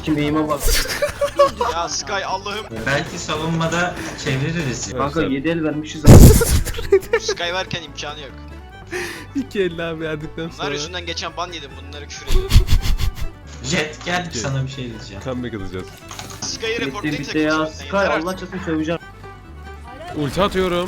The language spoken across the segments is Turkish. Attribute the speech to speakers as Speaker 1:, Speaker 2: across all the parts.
Speaker 1: sikim eğime bak.
Speaker 2: Ya Sky Allah'ım.
Speaker 3: Belki savunmada çeviririz.
Speaker 1: Kanka
Speaker 4: Evet,
Speaker 1: 7 el vermişiz abi.
Speaker 2: Sky varken imkanı yok.
Speaker 4: 2 50 abi verdikten
Speaker 2: Bunlar
Speaker 4: sonra
Speaker 2: yüzünden geçen ban yedim. Bunları küfür ediyorum.
Speaker 3: Jet gel sana bir şey diyeceğim.
Speaker 4: comeback atacağız.
Speaker 2: Sky'ı
Speaker 1: Bitti
Speaker 2: reportlayın
Speaker 1: bitti
Speaker 2: takım
Speaker 1: ya.
Speaker 2: sonunda.
Speaker 1: Sky
Speaker 2: Yeter
Speaker 1: Allah
Speaker 2: artık.
Speaker 1: çatın söveceğim.
Speaker 4: Ulti atıyorum.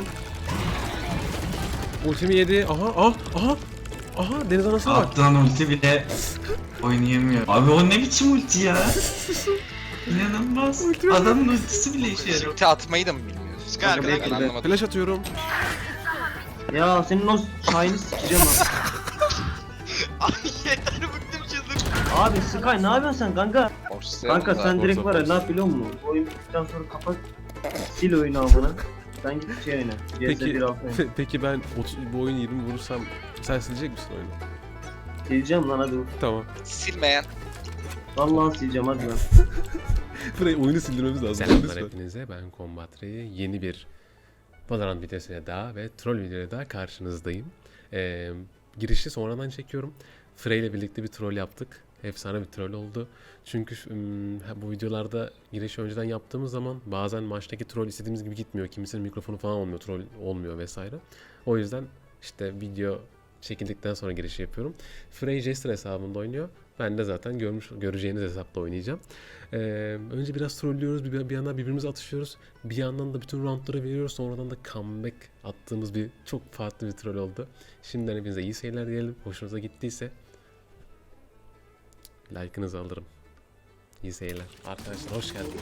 Speaker 4: Ultimi yedi. Aha deniz anasına bak.
Speaker 3: Attığın ulti bile oynayamıyor. Abi o ne biçim ulti ya? İnanılmaz. Adamın ultisi bile işe yarıyor.
Speaker 5: Ulti atmayı da mı bilmiyorsun?
Speaker 2: Sky arkadan
Speaker 5: Ben
Speaker 2: geliyor.
Speaker 5: anlamadım.
Speaker 4: Flash atıyorum.
Speaker 1: Ya senin o Sky'ını sikeceğim abi.
Speaker 2: Ay yeter bıktım çıldım.
Speaker 1: Abi Sky ne yapıyorsun sen kanka?
Speaker 5: Force'layalım
Speaker 1: Kanka
Speaker 5: da.
Speaker 1: sen direkt
Speaker 4: Force
Speaker 1: var ya
Speaker 4: force.
Speaker 1: ne yap biliyor musun? Oyun bittikten sonra kapat. Sil oyunu amına. Sen git şey oyna. CS
Speaker 4: Peki
Speaker 1: 1.6 oyna.
Speaker 4: peki ben bu oyun 20 vurursam sen silecek misin oyunu?
Speaker 1: Sileceğim lan hadi.
Speaker 4: Tamam.
Speaker 5: Silmeyen.
Speaker 1: Vallahi sileceğim hadi lan.
Speaker 4: Burayı oyunu sildirmemiz lazım. Selamlar hepinize, ben Combatri. Yeni bir Valorant videosuyla daha ve troll videoyla daha karşınızdayım. Girişi sonradan çekiyorum. Frey ile birlikte bir troll yaptık. Efsane bir troll oldu. Çünkü bu videolarda girişi önceden yaptığımız zaman bazen maçtaki troll istediğimiz gibi gitmiyor. Kimisinin mikrofonu falan olmuyor, troll olmuyor vesaire. O yüzden işte video çekildikten sonra girişi yapıyorum. Frey Jester hesabında oynuyor. Ben de zaten göreceğiniz hesapta oynayacağım. Önce biraz trollüyoruz, bir yandan birbirimize atışıyoruz. Bir yandan da bütün roundları veriyoruz. Sonradan da comeback attığımız bir çok farklı bir troll oldu. Şimdiden hepinize iyi seyirler diyelim. Hoşunuza gittiyse like'ınızı alırım. İyi seyirler. Arkadaşlar hoş geldiniz.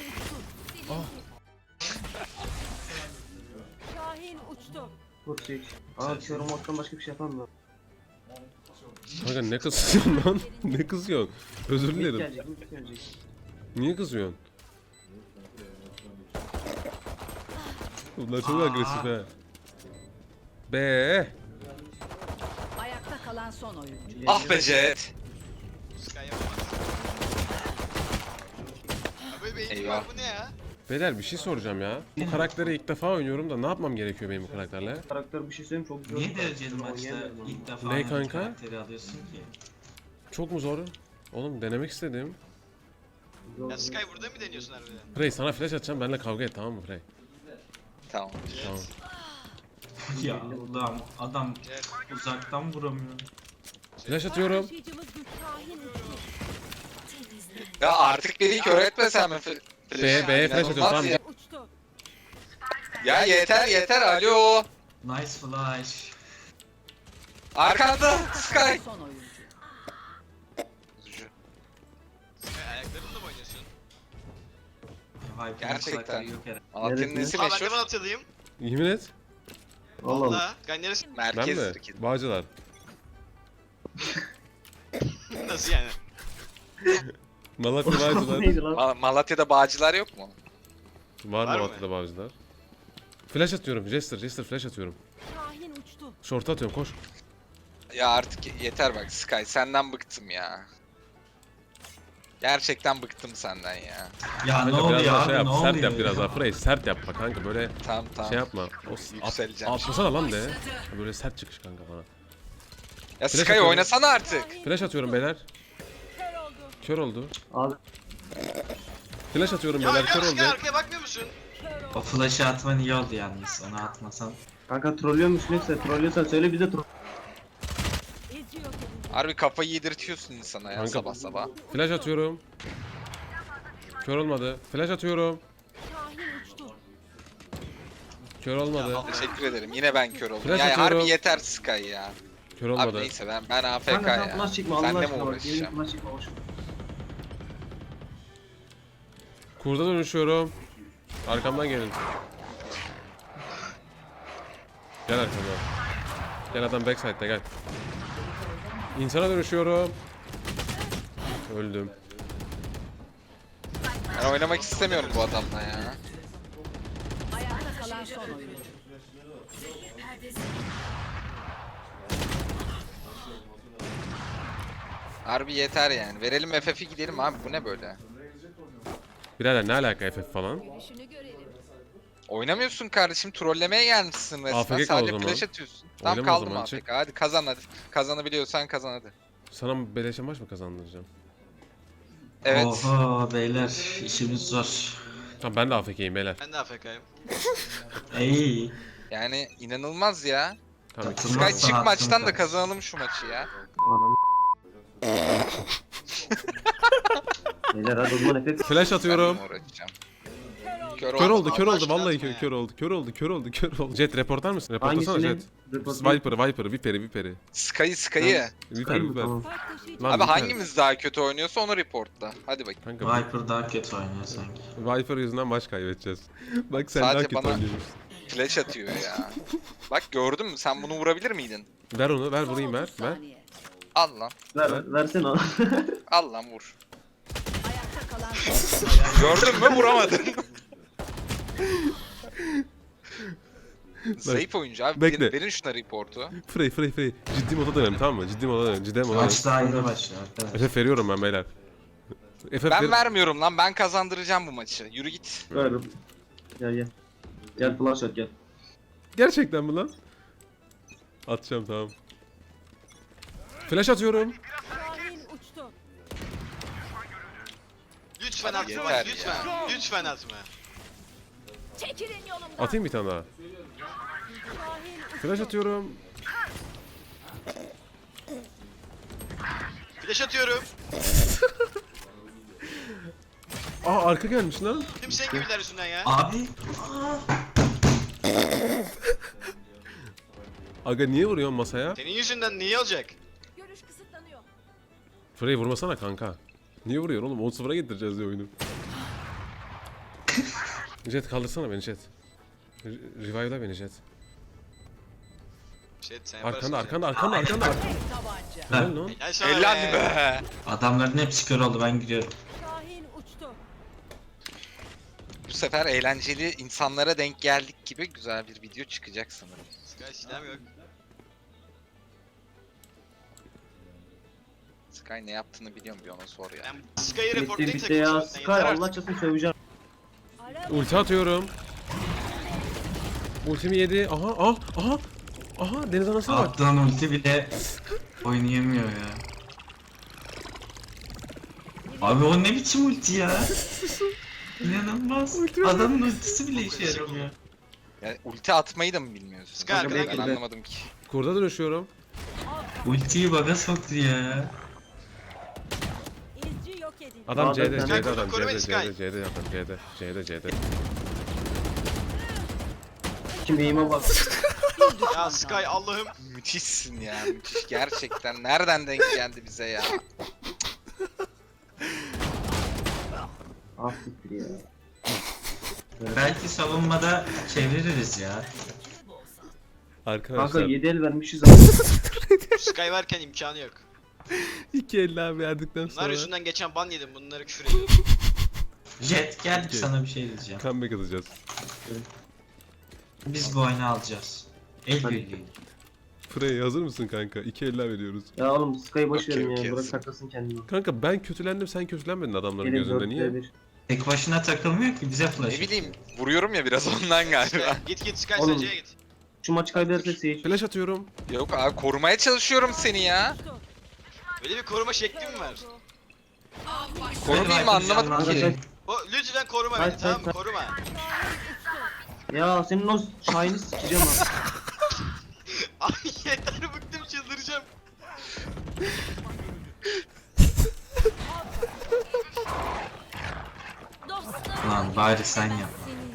Speaker 6: Şahin uçtu.
Speaker 1: Vur çek. Aa körüm attan başka bir şey yapamam.
Speaker 4: Kanka ne kızıyorsun lan? Ne kızıyorsun? Özür
Speaker 1: Mid
Speaker 4: dilerim.
Speaker 1: gelecek, mid gelecek.
Speaker 4: Niye kızıyorsun? Bunlar çok agresif he. Be.
Speaker 6: Ayakta kalan son oyuncu.
Speaker 5: Ah be Jet.
Speaker 2: Sky yapamaz. Abi benim
Speaker 5: Eyvah.
Speaker 2: bu ne ya?
Speaker 4: Beyler bir şey soracağım ya. Bu karakteri ilk defa oynuyorum da ne yapmam gerekiyor benim bu karakterle?
Speaker 1: Karakter bir şey söyleyeyim çok güzel.
Speaker 3: Niye dereceli maçta ilk defa
Speaker 4: Ne
Speaker 3: aynı
Speaker 4: kanka?
Speaker 3: karakteri alıyorsun ki?
Speaker 4: Çok mu zor? Oğlum denemek istedim.
Speaker 2: Ya Sky burada mı deniyorsun harbiden?
Speaker 4: Frey sana flash atacağım, benimle kavga et, tamam mı Frey?
Speaker 5: Tamam.
Speaker 4: Tamam.
Speaker 3: Ya Allah'ım adam uzaktan vuramıyor.
Speaker 4: Flash atıyorum.
Speaker 6: Taşıyıcımız güç Şahin uçtu.
Speaker 5: Ya artık beni kör etmesen mi?
Speaker 4: B'ye flash atıyorum, tamam.
Speaker 5: Ya.
Speaker 6: Uçtu.
Speaker 5: Ya yeter alo.
Speaker 3: Nice flash.
Speaker 5: Arkanda Sky.
Speaker 6: Son oyuncu.
Speaker 2: Sky ayaklarınla mı oynuyorsun?
Speaker 5: Gerçekten.
Speaker 3: Yok herhalde.
Speaker 5: Malatya'nın
Speaker 1: Neresi?
Speaker 5: nesi
Speaker 2: Aa ben de
Speaker 5: meşhur?
Speaker 2: Malatyalıyım.
Speaker 4: Yemin et.
Speaker 1: Allah Allah.
Speaker 2: Valla. Sky neresi?
Speaker 4: Ben
Speaker 5: Merkez
Speaker 4: mi?
Speaker 5: Türkiye.
Speaker 4: Bağcılar.
Speaker 2: Nasıl yani?
Speaker 4: Malatya Bağcılar.
Speaker 1: Neydi lan?
Speaker 5: Malatya'da bağcılar yok mu?
Speaker 4: Var
Speaker 2: Var mı?
Speaker 4: Malatya'da Bağcılar. Flash atıyorum. Jester flash atıyorum.
Speaker 6: Şahin uçtu.
Speaker 4: Short atıyorum, koş.
Speaker 5: Ya artık yeter bak Sky, senden bıktım ya. Gerçekten bıktım senden ya.
Speaker 3: Ya ne
Speaker 4: Kanka biraz
Speaker 3: oluyor
Speaker 4: daha
Speaker 3: abi
Speaker 4: şey yap,
Speaker 3: ne
Speaker 4: sert
Speaker 3: oluyor?
Speaker 4: yap biraz daha Frey, sert yapma kanka, böyle
Speaker 5: Tamam.
Speaker 4: şey yapma.
Speaker 5: Yükseleceğim.
Speaker 4: Atlasana lan de. Böyle sert çıkış kanka bana.
Speaker 5: Ya
Speaker 4: Flash
Speaker 5: Sky
Speaker 4: atıyorum.
Speaker 5: oynasana artık.
Speaker 4: Flash atıyorum beyler.
Speaker 6: Kör oldu.
Speaker 4: Kör oldu.
Speaker 1: Abi
Speaker 4: Flash atıyorum
Speaker 2: Ya
Speaker 4: beyler,
Speaker 2: ya
Speaker 4: kör
Speaker 2: Sky
Speaker 4: oldu.
Speaker 2: arkaya bakmıyor musun?
Speaker 3: O flash'ı atman iyi oldu yalnız onu atmasan.
Speaker 1: kanka trollüyor musun yoksa trollüyorsan söyle bize troll.
Speaker 6: Eziyor kendini.
Speaker 5: Harbi kafayı yedirtiyorsun insana ya
Speaker 4: Kanka.
Speaker 5: sabah sabah.
Speaker 4: Flash atıyorum. Kör olmadı. Flash atıyorum.
Speaker 6: Şahin uçtu.
Speaker 4: Kör olmadı.
Speaker 5: Teşekkür ederim. Yine ben kör oldum.
Speaker 4: Flash
Speaker 5: Ya
Speaker 4: atıyorum.
Speaker 5: harbi yeter Sky ya.
Speaker 4: Kör
Speaker 5: Abi
Speaker 4: olmadı.
Speaker 5: neyse ben AFK
Speaker 1: Kanka sen
Speaker 5: ya.
Speaker 1: flash çekme Allah
Speaker 5: Seninle mi
Speaker 1: aşkına bak. Yemin
Speaker 5: uğraşacağım?
Speaker 1: flash çekme boş.
Speaker 4: Kurda dönüşüyorum. Arkamdan gelin. Gel arkamdan. Gel adam backside'de gel. İnsana dönüşüyorum. Öldüm.
Speaker 5: Ben oynamak istemiyorum bu adamla ya.
Speaker 6: Ayakta kalan son oyuncu.
Speaker 5: Harbi yeter yani. Verelim FF'i gidelim abi. Bu ne böyle?
Speaker 4: Birader ne alaka FF falan?
Speaker 5: Oynamıyorsun kardeşim. Trollemeye gelmişsin resmen.
Speaker 4: AFK kal o
Speaker 5: Sadece
Speaker 4: zaman.
Speaker 5: flash atıyorsun. Tamam
Speaker 4: Oynama o
Speaker 5: kaldım
Speaker 4: zaman,
Speaker 5: AFK.
Speaker 4: çık.
Speaker 5: Hadi kazan hadi. Kazanabiliyorsan kazan hadi.
Speaker 4: Sana beleşe maç mı kazandıracağım?
Speaker 5: Evet.
Speaker 3: Oha beyler işimiz zor.
Speaker 4: Tamam ben de AFK'yim beyler.
Speaker 2: Ben de AFK'yim.
Speaker 3: Ey.
Speaker 5: Yani inanılmaz ya.
Speaker 4: Tamam.
Speaker 3: Katılmaz
Speaker 5: Sky çık
Speaker 3: sanatını
Speaker 5: maçtan da
Speaker 3: karşı.
Speaker 5: kazanalım şu maçı ya.
Speaker 1: Anam. Beyler hadi o zaman efekt.
Speaker 4: Flash atıyorum.
Speaker 5: Ben uğraşacağım.
Speaker 6: Kör oldu.
Speaker 4: Kör oldu, kör
Speaker 2: Allah
Speaker 4: oldu.
Speaker 2: aşkına
Speaker 4: Vallahi
Speaker 2: atma ya.
Speaker 4: kör oldu, kör oldu, kör oldu, kör oldu. Jet reportlar mısın? Reportlasana
Speaker 1: Hangisini?
Speaker 4: Jet.
Speaker 1: Report-
Speaker 4: Viper'ı, Viper'ı.
Speaker 5: Sky'ı.
Speaker 4: Viper.
Speaker 1: Tamam.
Speaker 6: Spike taşıyıcı.
Speaker 4: Lan
Speaker 5: Abi
Speaker 4: Viper.
Speaker 5: hangimiz daha kötü oynuyorsa onu reportla. Hadi bakayım.
Speaker 4: Kanka
Speaker 3: Viper daha kötü oynuyor sanki.
Speaker 4: Viper yüzünden maç kaybedeceğiz. Bak sen daha
Speaker 5: Sadece
Speaker 4: kötü
Speaker 5: bana-
Speaker 4: oynuyorsun.
Speaker 5: Flash atıyor ya. Bak gördün mü? Sen bunu vurabilir miydin?
Speaker 4: Ver onu, ver
Speaker 6: Son
Speaker 4: vurayım ver,
Speaker 6: 30
Speaker 4: ver.
Speaker 6: saniye.
Speaker 5: Al lan.
Speaker 1: Versene onu.
Speaker 5: Al lan vur.
Speaker 6: Ayakta kalan son.
Speaker 5: Gördün mü? Vuramadın. Zayıf oyuncu abi.
Speaker 4: Bekle.
Speaker 5: Verin şuna reportu.
Speaker 4: Frey. Ciddi moda dönelim tamam mı? Ciddi moda dönelim, ciddi moda dönelim.
Speaker 3: Maç daha yeni başlıyor arkadaşlar.
Speaker 4: FF veriyorum ben beyler. FF
Speaker 5: Ben vermiyorum lan. Ben kazandıracağım bu maçı. Yürü git.
Speaker 1: Ver. Gel. Gel flash at gel.
Speaker 4: Gerçekten mi lan? Atacağım tamam. Flash atıyorum.
Speaker 6: Şahin uçtu.
Speaker 2: Lütfen
Speaker 5: Hadi
Speaker 2: atma
Speaker 5: yeter
Speaker 2: lütfen. Lütfen atma.
Speaker 6: Çekilin yolumdan.
Speaker 4: Atayım bir tane daha.
Speaker 6: Şahin uçtu.
Speaker 4: Flash atıyorum.
Speaker 2: Flash atıyorum.
Speaker 4: Aa arka gelmiş lan.
Speaker 2: Tüm senin gibiler yüzünden ya.
Speaker 3: Abi.
Speaker 4: Aga niye vuruyorsun masaya?
Speaker 2: Senin yüzünden niye olacak?
Speaker 6: Görüş kısıtlanıyor.
Speaker 4: Frey vurmasana kanka. Niye vuruyorsun oğlum? 10-0'a getireceğiz diye oyunu. Jet kaldırsana beni Jet. Revive'la beni Jet.
Speaker 2: Sen yaparsın.
Speaker 4: Arkanda.
Speaker 6: Tek tabanca.
Speaker 4: Helal lan.
Speaker 2: Gel sana
Speaker 5: Helal be.
Speaker 3: Adamların hepsi kör oldu ben gidiyorum.
Speaker 6: Şahin uçtu.
Speaker 5: Bu sefer eğlenceli insanlara denk geldik gibi güzel bir video çıkacak sanırım.
Speaker 2: Sky silahım yok.
Speaker 5: Sky ne yaptığını biliyorum bir ona sor ya.
Speaker 2: Ben Sky'ı
Speaker 1: Bitti
Speaker 2: reportlayıp
Speaker 1: bitti ya.
Speaker 2: takılacağım.
Speaker 1: Sky Allah çatın söveceğim.
Speaker 6: Ara
Speaker 4: Ulti atıyorum. Ultimi yedi. Aha deniz anasına bak.
Speaker 3: Attığın ulti bile oynayamıyor ya. Abi o ne biçim ulti ya? İnanılmaz. Adamın ultisi bile işe yaramıyor.
Speaker 5: Yani ulti atmayı da mı bilmiyorsun?
Speaker 2: Sky arkadan
Speaker 5: Ben
Speaker 1: geliyor.
Speaker 5: anlamadım ki.
Speaker 4: Kurda dönüşüyorum.
Speaker 3: Ultiyi baga soktu ya.
Speaker 6: izci yok edildi.
Speaker 4: Adam
Speaker 1: Aa,
Speaker 4: C'de
Speaker 1: sen-
Speaker 4: adam
Speaker 2: Koru beni, Sky.
Speaker 4: C'de adam C'de.
Speaker 1: Kim eğime bak.
Speaker 2: Ya Sky Allah'ım.
Speaker 5: Müthişsin ya müthiş gerçekten. Nereden denk geldi bize ya?
Speaker 1: Ah siktir ya.
Speaker 3: Belki savunmada çeviririz ya.
Speaker 1: Kanka
Speaker 4: Arkadaşlar
Speaker 1: 7 el vermişiz ama.
Speaker 2: Sky varken imkanı yok.
Speaker 4: 2 50 abi verdikten
Speaker 2: Bunlar
Speaker 4: sonra
Speaker 2: yüzünden geçen ban yedim. Bunları küfür ediyorum.
Speaker 3: Jet gel
Speaker 4: Okey.
Speaker 3: sana bir şey diyeceğim.
Speaker 4: comeback atacağız.
Speaker 3: Biz bu oyunu alacağız. El
Speaker 1: Hadi.
Speaker 3: birliği.
Speaker 4: Frey hazır mısın kanka? 2 50 veriyoruz.
Speaker 1: Ya oğlum Sky'ı boş
Speaker 5: Okey,
Speaker 1: verin ya.
Speaker 5: okey.
Speaker 1: Bırak taklasın kendini.
Speaker 4: Kanka ben kötülendim sen kötülenmedin adamların
Speaker 1: Gelin
Speaker 4: gözünde
Speaker 1: 4
Speaker 4: niye?
Speaker 1: 1.
Speaker 3: Tek başına takılmıyor ki bize
Speaker 5: Ne
Speaker 3: flash.
Speaker 5: bileyim vuruyorum ya biraz ondan galiba.
Speaker 2: Sky, git Sky
Speaker 1: Oğlum.
Speaker 2: sen C'ye git.
Speaker 1: Şu maçı kaybedersek Sage.
Speaker 4: Flash atıyorum.
Speaker 5: Yok abi korumaya çalışıyorum seni ya.
Speaker 2: Böyle bir koruma şekli mi var?
Speaker 5: Korumayayım mı anlamadım ki.
Speaker 1: Arkadaşlar
Speaker 2: O lütfen koruma
Speaker 1: Hayır,
Speaker 2: beni tamam mı?
Speaker 1: hayır.
Speaker 2: Koruma.
Speaker 1: ya senin o Shine'i sikeceğim ha.
Speaker 2: Ay yeter bıktım çıldıracağım.
Speaker 6: Dostlar.
Speaker 3: Lan bari sen yap.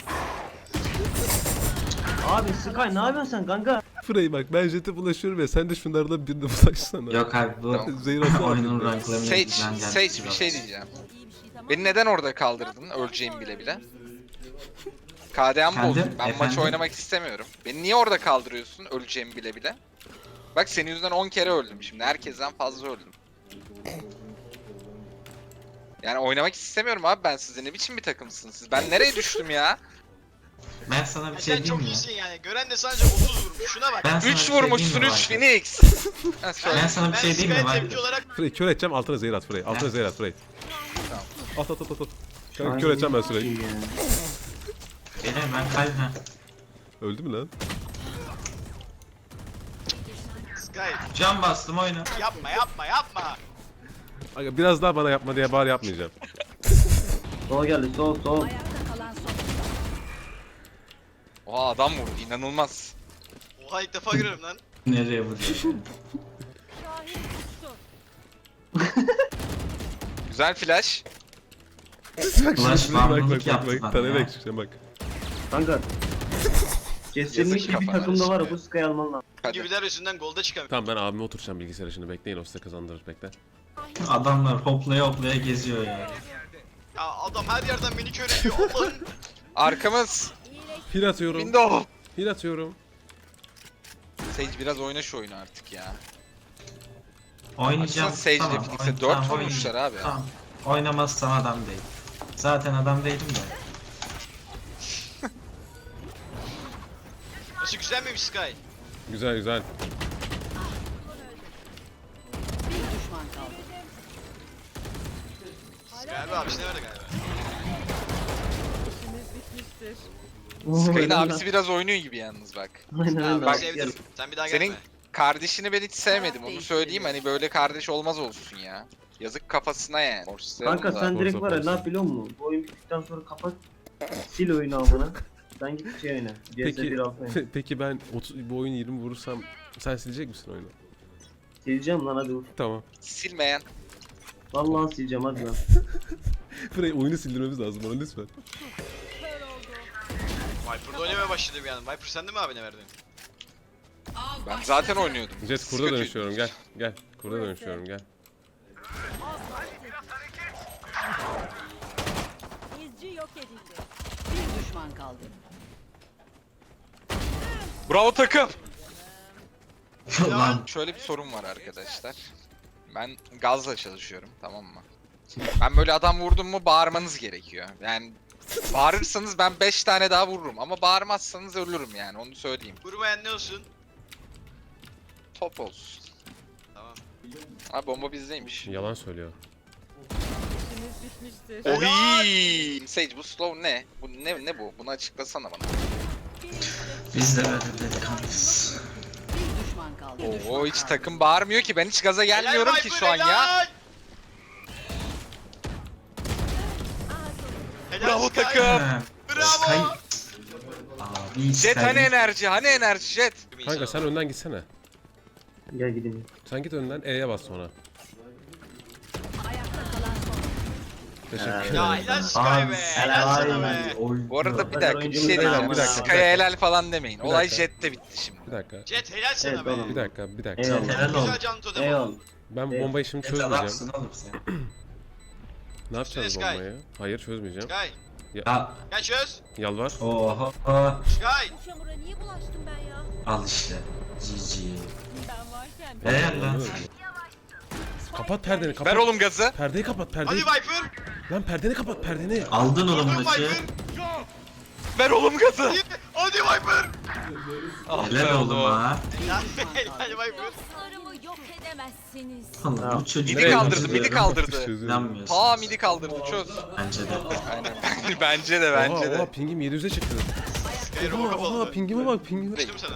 Speaker 1: Abi Sky ne yapıyorsun sen kanka?
Speaker 4: Frey bak ben Jet'e bulaşıyorum ya sen de şunlardan birine bulaşsana.
Speaker 3: Yok abi bu
Speaker 5: Tamam.
Speaker 4: Zehir atsana.
Speaker 3: oyunun ranklarını
Speaker 5: Sage,
Speaker 3: bizden geldi.
Speaker 5: Sage bir şey diyeceğim.
Speaker 6: İyi bir şey tamam.
Speaker 5: Beni neden orada kaldırdın? Öleceğimi bile bile. KDA'm
Speaker 3: Efendim?
Speaker 5: bozdu. Ben maçı
Speaker 3: Efendim?
Speaker 5: oynamak istemiyorum. Beni niye orada kaldırıyorsun? Öleceğimi bile bile. Bak senin yüzünden 10 kere öldüm şimdi. Herkesten fazla öldüm. Yani oynamak istemiyorum abi ben size. Ne biçim bir takımsınız siz? Ben nereye düştüm ya?
Speaker 3: Ben sana bir
Speaker 2: Ya
Speaker 3: şey
Speaker 2: sen
Speaker 3: diyeyim
Speaker 2: çok
Speaker 3: mi?
Speaker 2: iyisin yani. Gören de sadece 30 vurmuş. Şuna bak.
Speaker 3: Ben sana
Speaker 5: 3
Speaker 3: bir şey diyeyim
Speaker 5: vurmuşsun
Speaker 3: mi
Speaker 5: 3
Speaker 3: Viper?
Speaker 5: Phoenix. Ha, söyle.
Speaker 3: Ben sana bir şey diyeyim mi
Speaker 2: Sky'e
Speaker 3: Viper?
Speaker 2: tepki olarak
Speaker 4: Frey kör edeceğim altına zehir at Frey. Altına
Speaker 3: Ha.
Speaker 4: zehir at Frey.
Speaker 5: Tamam.
Speaker 4: At. Kanka kör edeceğim ben Frey'i.
Speaker 1: Ya.
Speaker 3: Beyler ben kalbim.
Speaker 4: Öldü mü lan?
Speaker 2: Sky
Speaker 3: Can bastım oyna.
Speaker 2: yapma.
Speaker 4: Aga biraz daha bana yapma diye bari yapmayacağım.
Speaker 1: Sola geldi, sol.
Speaker 6: Ayakta kalan son.
Speaker 5: Oha adam vurdu inanılmaz.
Speaker 2: Oha ilk defa görüyorum lan.
Speaker 3: Nereye vuruyor?
Speaker 6: Şahin uçtu.
Speaker 5: Güzel flash.
Speaker 4: Bak şimdi
Speaker 3: Flash
Speaker 4: bak
Speaker 3: bağımlılık yaptı bana
Speaker 4: Tanıyarak
Speaker 3: ya.
Speaker 4: çıkacağım bak.
Speaker 1: Kanka. Kesinlikle bir
Speaker 5: kafana
Speaker 1: takımda var ya,
Speaker 5: şimdi.
Speaker 1: bu Sky alman lazım.
Speaker 5: Hadi.
Speaker 2: Gibiler yüzünden golda çıkamıyor.
Speaker 4: Tamam ben abime oturacağım bilgisayara şimdi bekleyin o size kazandırır bekle.
Speaker 3: Adamlar hoplaya hoplaya geziyor ya.
Speaker 2: Ya adam her yerden beni kör ediyor Allah'ım.
Speaker 5: Arkamız.
Speaker 4: Hil atıyorum.
Speaker 5: Window.
Speaker 4: Hil atıyorum.
Speaker 5: Sage biraz oyna şu oyunu artık ya.
Speaker 3: Oynayacağım.
Speaker 5: Aslında Sage'le Phoenix'e 4 vurmuşlar abi.
Speaker 3: Tamam. Oynamazsam adam değil. Zaten adam değilim de.
Speaker 2: Nasıl güzel miymiş Sky?
Speaker 4: Güzel güzel.
Speaker 6: Bir düşman kaldı.
Speaker 2: Galiba abi işte nerede galiba.
Speaker 5: Sky'ın abisi biraz oynuyor gibi yalnız bak.
Speaker 1: Aynen
Speaker 2: Ha,
Speaker 1: öyle.
Speaker 2: ben
Speaker 1: abi.
Speaker 2: sevdim. Sen bir daha
Speaker 5: Senin
Speaker 2: gelme.
Speaker 5: kardeşini ben hiç sevmedim onu söyleyeyim hani böyle kardeş olmaz olsun ya. Yazık kafasına yani.
Speaker 1: Kanka sen direkt var ya, ne yap biliyor musun? Bu oyun bittikten sonra kapat. Sil oyunu amına. Sen git şey oyna. CS
Speaker 4: Peki
Speaker 1: 1.6 oyna.
Speaker 4: peki ben bu oyunu 20 vurursam sen silecek misin oyunu?
Speaker 1: Sileceğim lan, hadi vur.
Speaker 4: Tamam.
Speaker 5: Silmeyen.
Speaker 1: Vallahi sileceğim, hadi lan.
Speaker 4: Frey oyunu sildirmemiz lazım bana lütfen.
Speaker 2: Viper'da oynamaya başladı bir yandan. Viper sen de mi abine verdin?
Speaker 5: Ben zaten oynuyordum.
Speaker 4: Jet
Speaker 5: Siz
Speaker 4: kurda
Speaker 5: kötü-
Speaker 4: dönüşüyorum gel. Gel. Kurda dönüşüyorum gel.
Speaker 6: İzci yok edildi. Bir düşman kaldı.
Speaker 5: Bravo takım.
Speaker 3: Lan
Speaker 5: Şöyle bir sorun var arkadaşlar. Ben gazla çalışıyorum tamam mı? Ben böyle adam vurdum mu bağırmanız gerekiyor. Yani bağırırsanız ben 5 tane daha vururum ama bağırmazsanız ölürüm yani onu söyleyeyim.
Speaker 2: Vurmayan ne olsun?
Speaker 5: Top olsun.
Speaker 2: Tamam.
Speaker 5: Ha bomba bizdeymiş.
Speaker 4: Yalan söylüyor.
Speaker 5: Oy! Sage bu slow ne? Bu ne bu? Bunu açıklasana bana.
Speaker 3: biz de böyle delikanlıyız.
Speaker 6: Bir düşman kaldı.
Speaker 5: Oo hiç takım bağırmıyor ki ben hiç gaza gelmiyorum
Speaker 2: Helal
Speaker 5: ki
Speaker 2: Viper,
Speaker 5: şu an ya.
Speaker 2: helal! Helal
Speaker 5: Bravo
Speaker 2: Sky.
Speaker 5: takım.
Speaker 2: Bravo.
Speaker 3: Abi
Speaker 5: Jet hani enerji? Hani enerji Jet?
Speaker 4: Kanka sen önden gitsene.
Speaker 1: Gel gideyim.
Speaker 4: Sen git önden E'ye bas sonra.
Speaker 6: Ayakta kalan son.
Speaker 4: Teşekkür
Speaker 2: Ya
Speaker 4: ederim.
Speaker 2: helal Sky be. Helal sana be.
Speaker 5: Bu arada bir
Speaker 1: Hadi
Speaker 5: dakika bir
Speaker 1: oyuncumuz
Speaker 5: şey
Speaker 1: da
Speaker 5: diyeceğim.
Speaker 1: yapma.
Speaker 4: Bir dakika.
Speaker 5: Sky'a helal falan demeyin.
Speaker 4: Bir
Speaker 5: Olay
Speaker 4: dakika.
Speaker 5: Jet'te bitti şimdi.
Speaker 4: Bir dakika.
Speaker 2: Jet helal sana
Speaker 1: Evet,
Speaker 2: be.
Speaker 1: oğlum.
Speaker 4: Bir dakika. Bir dakika.
Speaker 1: Eyvallah.
Speaker 3: Helal
Speaker 2: Güzel
Speaker 3: olsun.
Speaker 2: canlı totem.
Speaker 1: Eyvallah.
Speaker 4: Ben bu
Speaker 1: Evet.
Speaker 4: bombayı şimdi
Speaker 3: Jet
Speaker 4: çözmeyeceğim.
Speaker 3: adamsın oğlum sen.
Speaker 4: Ne yapacağız
Speaker 2: Sky.
Speaker 4: bombayı? Hayır çözmeyeceğim.
Speaker 2: Sky.
Speaker 3: Ya
Speaker 2: Gel çöz.
Speaker 4: Yalvar.
Speaker 3: oha.
Speaker 2: Sky.
Speaker 6: Bu çamura niye bulaştım ben ya?
Speaker 3: Al işte. GG.
Speaker 6: Ben varken.
Speaker 3: Eğer lan.
Speaker 4: Kapat perdeni
Speaker 5: Ver
Speaker 4: kapat.
Speaker 5: oğlum gazı.
Speaker 4: Perdeyi kapat
Speaker 2: Hadi
Speaker 4: perdeyi.
Speaker 2: Viper.
Speaker 4: Lan perdeni kapat perdeni.
Speaker 3: Aldın oğlum
Speaker 2: Vurdum
Speaker 3: maçı.
Speaker 2: Viper.
Speaker 5: Ver oğlum gazı.
Speaker 2: Hadi Viper.
Speaker 5: Ah be
Speaker 3: Helal oğlum ha.
Speaker 2: Helal Viper.
Speaker 6: Dostlarımı yok edemezsiniz.
Speaker 3: Allah bu çocuk.
Speaker 5: Midi kaldırdı,
Speaker 3: çözüyorum.
Speaker 5: midi kaldırdı.
Speaker 3: İnanmıyorsunuz.
Speaker 5: Ta midi kaldırdı çöz.
Speaker 3: Bence de.
Speaker 5: Aynen. Bence de
Speaker 4: Oha
Speaker 5: bence
Speaker 4: oha
Speaker 5: de.
Speaker 4: pingim 700'e çıktı.
Speaker 2: Sky robo
Speaker 4: Oha
Speaker 2: kapalı.
Speaker 4: pingime bak pingime.
Speaker 2: Düştüm sana.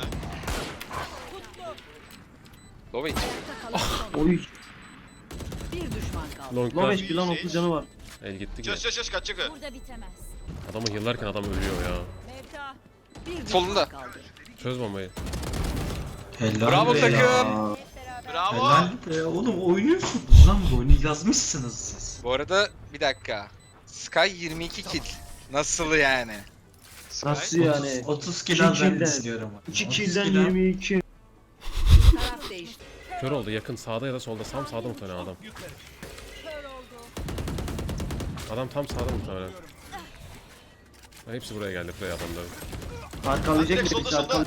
Speaker 5: Lovic.
Speaker 6: Ayakta kalan son.
Speaker 1: Oy.
Speaker 6: Bir düşman kaldı.
Speaker 4: Long
Speaker 1: Lan
Speaker 4: class.
Speaker 1: 5 plan 30 canı var.
Speaker 4: El gitti
Speaker 2: Çöz
Speaker 4: ki.
Speaker 2: çöz kaçacak o.
Speaker 6: Burada bitemez.
Speaker 4: Adamı yıllarken adam ölüyor ya.
Speaker 6: Mevta. Bir düşman
Speaker 5: Solunda.
Speaker 6: kaldı.
Speaker 4: Çöz bombayı.
Speaker 3: Helal
Speaker 5: Bravo
Speaker 3: be
Speaker 5: takım.
Speaker 3: ya.
Speaker 2: Bravo.
Speaker 3: Helal be oğlum oynuyorsunuz lan bu oyunu yazmışsınız siz.
Speaker 5: Bu arada bir dakika. Sky 22 kill. Nasıl yani?
Speaker 1: Nasıl yani?
Speaker 3: 30
Speaker 1: İki
Speaker 3: kill ben
Speaker 1: kill'den.
Speaker 3: istiyorum.
Speaker 1: 2
Speaker 3: 30
Speaker 1: kill'den
Speaker 3: kill al.
Speaker 1: 22.
Speaker 6: Taraf değişti.
Speaker 4: Kör oldu yakın sağda ya da solda. Tam sağda muhtemelen adam.
Speaker 6: Kör oldu.
Speaker 4: Adam tam sağda muhtemelen. Ha, hepsi buraya geldi buraya adamların.
Speaker 1: Arkalayacak
Speaker 2: Direkt
Speaker 1: bir
Speaker 2: solda
Speaker 1: şey
Speaker 2: solda.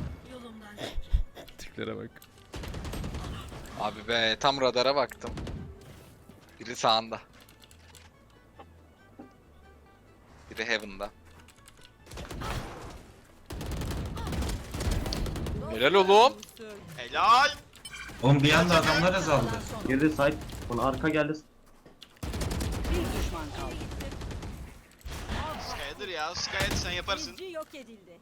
Speaker 4: Tiplere bak.
Speaker 5: Abi be tam radara baktım. Biri sağında. Biri Heaven'da. Helal oğlum.
Speaker 2: Helal.
Speaker 3: Oğlum bir anda adamlar azaldı.
Speaker 1: Girdi side. Ona arka geldi.
Speaker 6: Bir düşman kaldı.
Speaker 2: Sky'dır ya. Sky sen yaparsın.
Speaker 6: İzci yok edildi.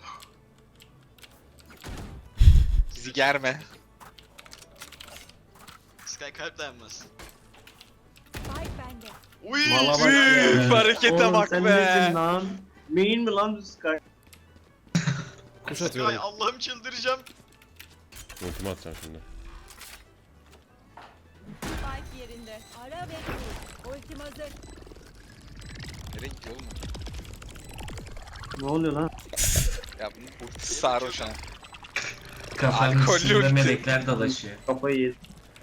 Speaker 5: Bizi germe.
Speaker 2: Sky kalp dayanmaz.
Speaker 6: Spike bende.
Speaker 2: Uy.
Speaker 1: Valla bak
Speaker 5: Üf,
Speaker 1: ya.
Speaker 5: harekete
Speaker 1: Oğlum
Speaker 5: bak
Speaker 1: sen
Speaker 5: be.
Speaker 1: nesin lan? Main mi lan bu Sky?
Speaker 4: Kuş
Speaker 2: Sky
Speaker 4: atıyorum.
Speaker 2: Allah'ım çıldıracağım.
Speaker 4: Ultimi atacağım şimdi.
Speaker 6: Spike yerinde. Ara ve kur. Ultim hazır.
Speaker 5: Nereye gidiyor oğlum?
Speaker 1: Ne oluyor lan?
Speaker 5: Ya bunun ultisi sarhoş ha.
Speaker 3: Kafanın
Speaker 5: Alkollü
Speaker 3: üstünde
Speaker 5: ulti.
Speaker 3: melekler dolaşıyor.
Speaker 1: Kafayı yedi.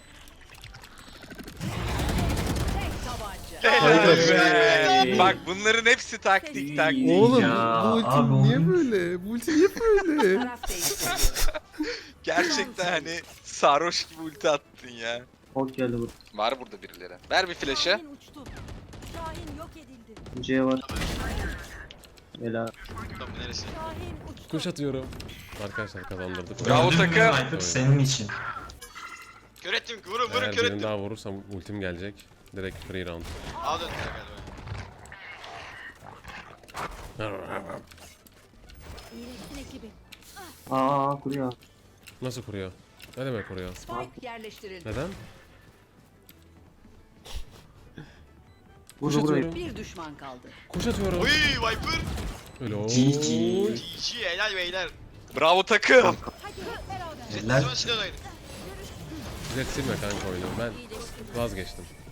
Speaker 6: Tek tabanca.
Speaker 1: Hey.
Speaker 5: Bak bunların hepsi taktik taktik.
Speaker 4: Oğlum
Speaker 3: Ya,
Speaker 4: bu ulti
Speaker 3: abi
Speaker 4: niye
Speaker 3: oyun-
Speaker 4: böyle? Bu ulti niye böyle?
Speaker 6: Taraf değiştirdi.
Speaker 5: Gerçekten hani sarhoş gibi ulti attın ya.
Speaker 1: Ok geldi bu.
Speaker 5: Var burada birileri. Ver bir flash'ı.
Speaker 6: Şahin uçtu. Şahin yok edildi.
Speaker 1: C var. Helal.
Speaker 2: Tamam neresi?
Speaker 6: Şahin uçtu.
Speaker 4: Kuş atıyorum. Arkadaşlar kazandırdık.
Speaker 5: Bravo
Speaker 3: Gördün mü
Speaker 5: takım.
Speaker 3: Viper senin için.
Speaker 2: Kör ettim. Vurun vurun
Speaker 4: Eğer
Speaker 2: kör
Speaker 4: birini
Speaker 2: ettim.
Speaker 4: daha vurursam ultim gelecek. Direkt free round.
Speaker 2: A döndü galiba.
Speaker 6: İyileştin ekibi.
Speaker 1: Aa kuruyor.
Speaker 4: Nasıl kuruyor? Ne demek kuruyor?
Speaker 6: Spike yerleştirildi.
Speaker 4: Neden? Kuş
Speaker 1: Vurdu burayı.
Speaker 4: atıyorum.
Speaker 6: Bir düşman kaldı.
Speaker 4: Kuş atıyorum.
Speaker 2: Uy Viper.
Speaker 4: Öyle ooo.
Speaker 3: GG.
Speaker 2: GG helal beyler.
Speaker 5: Bravo takım.
Speaker 6: Hadi hep beraber.
Speaker 2: Jet
Speaker 3: Helal.
Speaker 2: ne zaman silahı
Speaker 4: Jet silme kanka oyunu. Ben vazgeçtim.